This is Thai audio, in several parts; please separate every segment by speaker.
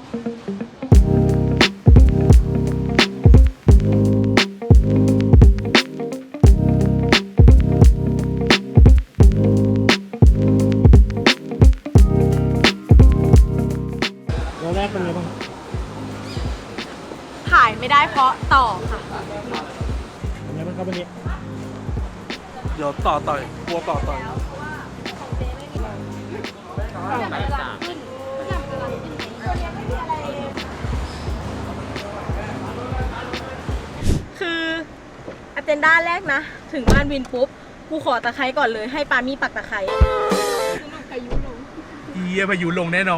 Speaker 1: แล้วแรกเป็นไงบ้าง
Speaker 2: ถ่ายไม่ได้เพราะต่อค่ะ
Speaker 1: เป็นไงบ้างครับวันนี้
Speaker 3: เดี๋ยวต่อยกลัวต่อย
Speaker 2: คืออเจนด้าแรกนะ ถึงบ้านวินปุ๊บ กูขอตะไคร้ก่อนเลยให้ปามี่ปักตะไคร้
Speaker 3: เฮียพายุลงแน่นอน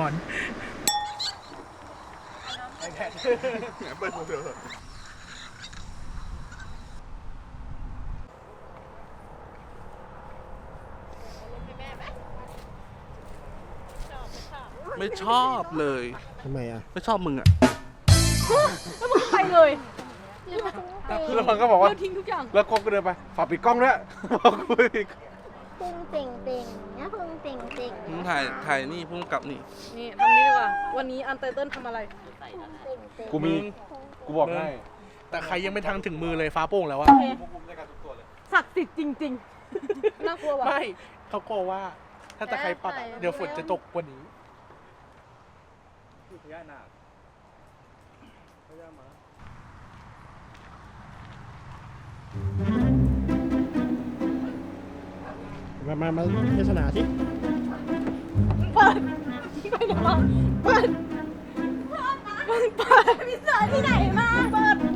Speaker 3: ไม่ชอบเลย
Speaker 1: ทำไมอ่ะ
Speaker 3: ไม่ชอบมึงอ่ะ
Speaker 2: แล้วมึงไปเลย
Speaker 4: แล้วมันก็บอกว่า
Speaker 2: เราทิ้งทุกอย่าง
Speaker 4: แล้วกบก็เดินไปฝากปิดกล้องด้วยบอกกูอีก
Speaker 5: พุงเต่งเต่งนะพุงเต่งเต่ง
Speaker 3: มึงถ่ายนี่พุ่งกลับนี่
Speaker 2: นี่ทำนี้ดีกว่า วันนี้อันเตอร์เติ้ลทำอะไร
Speaker 5: เต่งเต่ง
Speaker 4: กูมี กูบอกให้
Speaker 3: แต่ใครยังไม่ทันถึงมือเลยฟ้าโป่งแล้วอะ
Speaker 2: ศักดิ์สิทธิ์จริงๆ น่ากลัวว่ะ
Speaker 3: ไม่เขากลัวว่า ถ้าตะใครปักอะเดี๋ยวฝนจะตกกว่านี้
Speaker 1: มาเทศนาที่
Speaker 2: เปิดไปเดี๋ยวเราเปิดพิซซ่าที่ไหนมาเปิด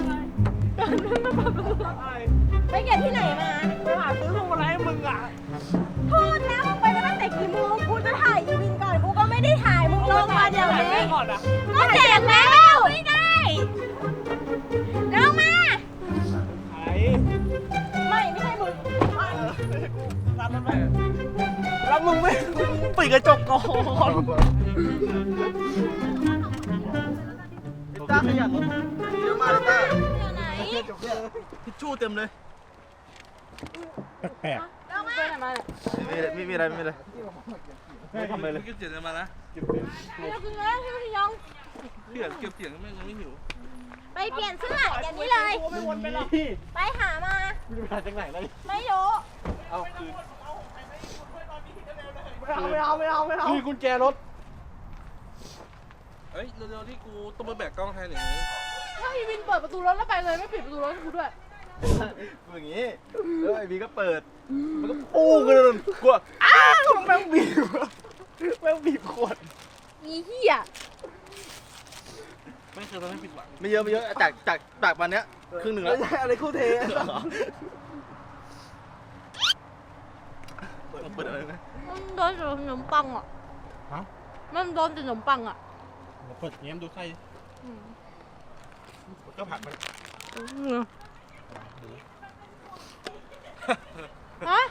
Speaker 2: ไปเก็บที่ไหนมาไปหาซื้อพวงมาลัยให้มึงอ่ะพูดแล้วมึงไปตั้งแต่กี่โมงกูจะถ่ายอีวินก่อนกูก็ไม่ได้ถ่ายมึงลงมาเดี๋ยวนี้ก็แจกแล้วไม่ได้ลงมาไม่ใช่มึง
Speaker 3: แล้วมึงไม่ปิดกระจกก่อนต้าขยันรถเยอะมากเลยต้า
Speaker 2: อยู่ไหน
Speaker 3: ทิชชู่เต็มเลย
Speaker 1: แปลก
Speaker 2: ลงมาไปไหนมาเนี่ย
Speaker 4: ไม่มีอะไรไม่ทำอะไรเลย
Speaker 3: ไม่เก็บเสียงมานะ
Speaker 2: เราคือแล้วที่พี่ยอง
Speaker 3: เก็บเสียงไม่ยังไม่หิว
Speaker 2: ไปเปลี่ยนเสื้ออย่างนี้เลย
Speaker 1: ไม่วนไปหรอก
Speaker 2: ไปหามา
Speaker 1: มาจากไหนเลย
Speaker 2: ไม่รู้
Speaker 4: เอาคืน
Speaker 1: ไม่เอา
Speaker 4: คืนกุญแจรถ
Speaker 3: เฮ้ยเร็วๆที่กูต้องมาแบกกล้องแทนอย่างนี้
Speaker 2: ถ้าพี่วินเปิดประตูรถแล้วไปเลยไม่ปิดประตูรถให้กูด้วย
Speaker 4: กูอย่างงี้แล้วไอ้บีก็เปิด มันก็ปู้กันเลยกลัวอ้าวแม่งบีบขวด
Speaker 2: อีเหี้ย
Speaker 3: ไม่เคยทำให้ผิดหวัง
Speaker 4: ไม่เยอะจากวันเนี้ยครึ่งหนึ่งแล้วอะไรคู่เทเปิดอะไรนะ
Speaker 2: มันโดนแต่ขนมปังอ่ะ
Speaker 1: ฮะ
Speaker 2: มันโดนแต่ขนมปังอ่ะ
Speaker 1: เปิดเงี้ยมดูใคร
Speaker 4: ก็ผักมัน
Speaker 2: ฮะ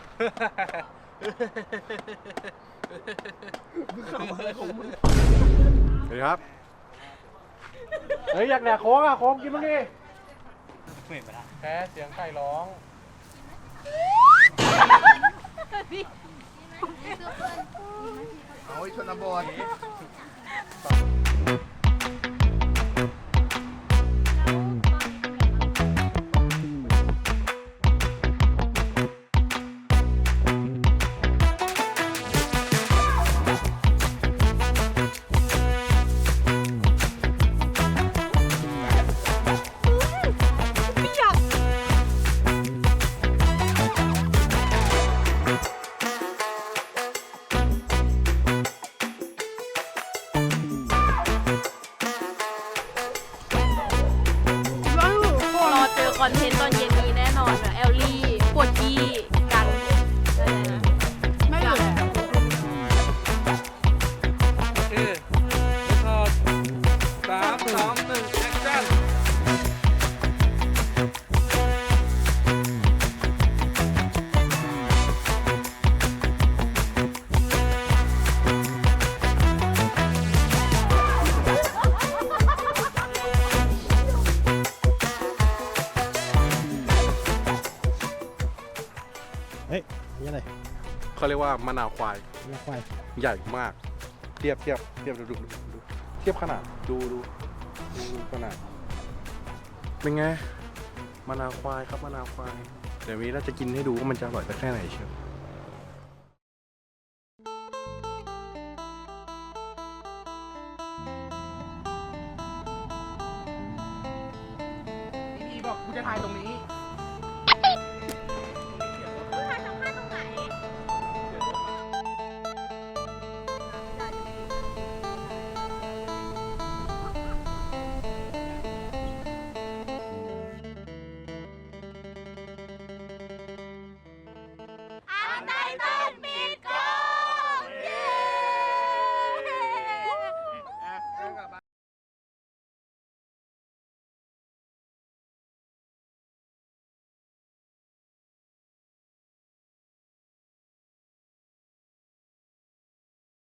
Speaker 4: สวัสดีครับเฮ้ยอยากแดกโค้งอ่ะโค้งกินมั้งดิแพ้เสียงไก่ร้อง เอาไอ้ชนบท
Speaker 2: ไม่อยาก รอเจอคอนเทนต์ตอนเย็นนี้แน่นอนนะแอลลี่ปวดกี้กันไม่เหลือ
Speaker 3: โอเคทอด3 2 1แอคชั่น
Speaker 1: เฮ้ยนี่อะไร
Speaker 4: เขาเรียกว่ามะนาวควาย
Speaker 1: นี่ควาย
Speaker 4: ใหญ่มาก เทียบดูเทียบขนาดดูขนาดเป็นไงมะนาวควายครับมะนาวควายเดี๋ยวนี้เราจะกินให้ดูว่ามันจะอร่อยสักแค่ไหนเชียวพี่บอกกูจะถ่ายตรงนี้